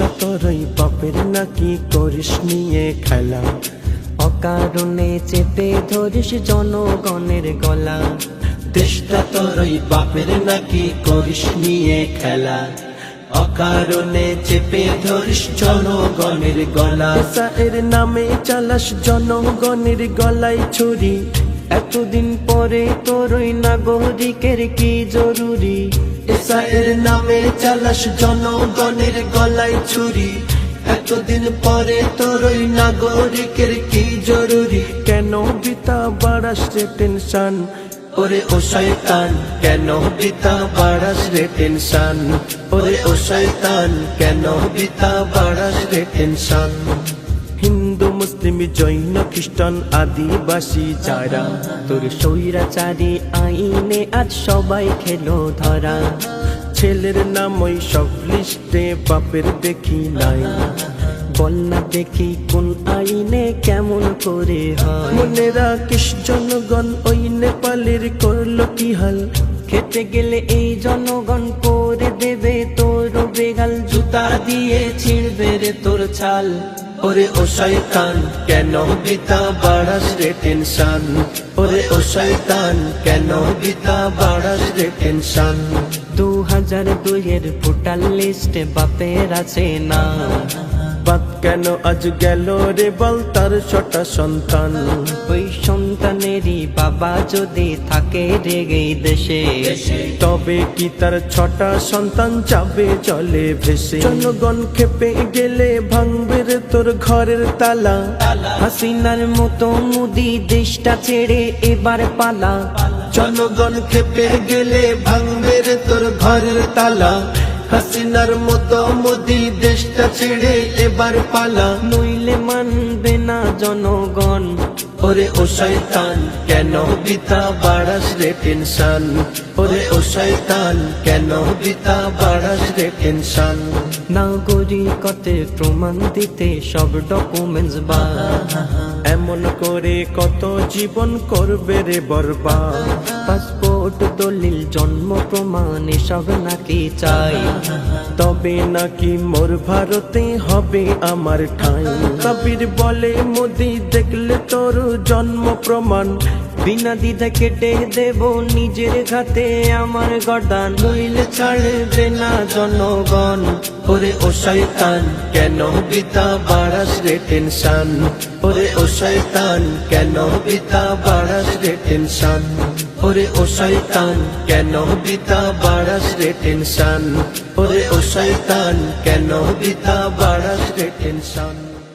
দেশটা তোরই বাপের নাকি করিস নিয়ে খেলা, অকারণে চেপে ধরিস জনগণের গলা। দেশটা তোরই বাপের নাকি করিস নিয়ে খেলা, অকারণে চেপে ধরিস জনগণের গলা। এর নামে চালাস জনগণের গলায় ছুরি, এতদিন পরে তোরই নাগরিকের কি জরুরি। এর নামে চালাস জনগণের গলায় ছুরি, এতদিন পরে তোরই নাগরিকের কি জরুরি। কেন বিতা বাড়াস রে টেনশন, ওরে ও শয়তান কেন বিতা বাড়াস রে টেনশন, ওরে ও শয়তান কেন বিতা বাড়াস রে টেনশন। হিন্দু মুসলিম জৈন খ্রিস্টান আদিবাসী যারা তোর স্বৈরাচারী আইনে আজ সবাই খেলো ধরা। ছেলের নাম ওই সব লিস্টে বাপের দেখি নাই, বল না দেখি কোন আইনে কেমন করে হয়। মনে রাখিস জনগণ ওই নেপালের করলো কি হাল, খেতে গেলে এই জনগণ করে দেবে তোর বেগাল। জুতা দিয়ে ছিঁড়বে রে তোর ছাল। ওরে ও শয়তান কেন বিতা বাড়াস রে টেনশন, ওরে ও শয়তান কেন বিতা বাড়াস রে টেনশন। 2002 ভোটার লিস্টে বাপের আছে না, বাদ কেন আজ গেল রে বল তার 6টা সন্তান। ওই সন্তানেরই বাবা যদি থাকে রে এই দেশে, তবে কি তার 6টা সন্তান যাবে চলে ভেসে। জনগণ খেপে গেলে ভাঙবে রে তোর ঘরের তালা, হাসিনার মতো মুদি দেশটা ছেড়ে এবার পালা। জনগণ খেপে গেলে ভাঙবে রে তোর ঘরের তালা, হাসিনার মতো মোদি দেশটা ছেড়ে এবার পালা। নইলে মানবে না জনগণ। ওরে ও শয়তান কেন বিতা বাড়াস রে টেনশন, ওরে ও শয়তান কেন বিতা বাড়াস রে টেনশন। নাগরিকতের প্রমাণ দিতে সব ডকুমেন্টস বা, এমন করে কত জীবন করবে রে বরবাদ। পাসপোর্ট দলিল জন্ম প্রমাণ এসব নাকি চাই, তবে নাকি মোর ভারতে হবে আমার ঠাঁই। কবির বলে মোদি দেখলে তোর জন্ম প্রমাণ, বিনা দ্বিধা কেটে দেব নিজের ঘাতে আমার গর্দান। নইলে ছাড়বে না জনগণ। ওরে ও শয়তান কেন বিতা বাড়াস রে টেনশন, ওরে ও শয়তান কেন বিতা বাড়াস রে টেনশন, ওরে ও শয়তান কেন বিতা বাড়াস রে টেনশন, ওরে ও শয়তান কেন বিতা বাড়াস রে টেনশন।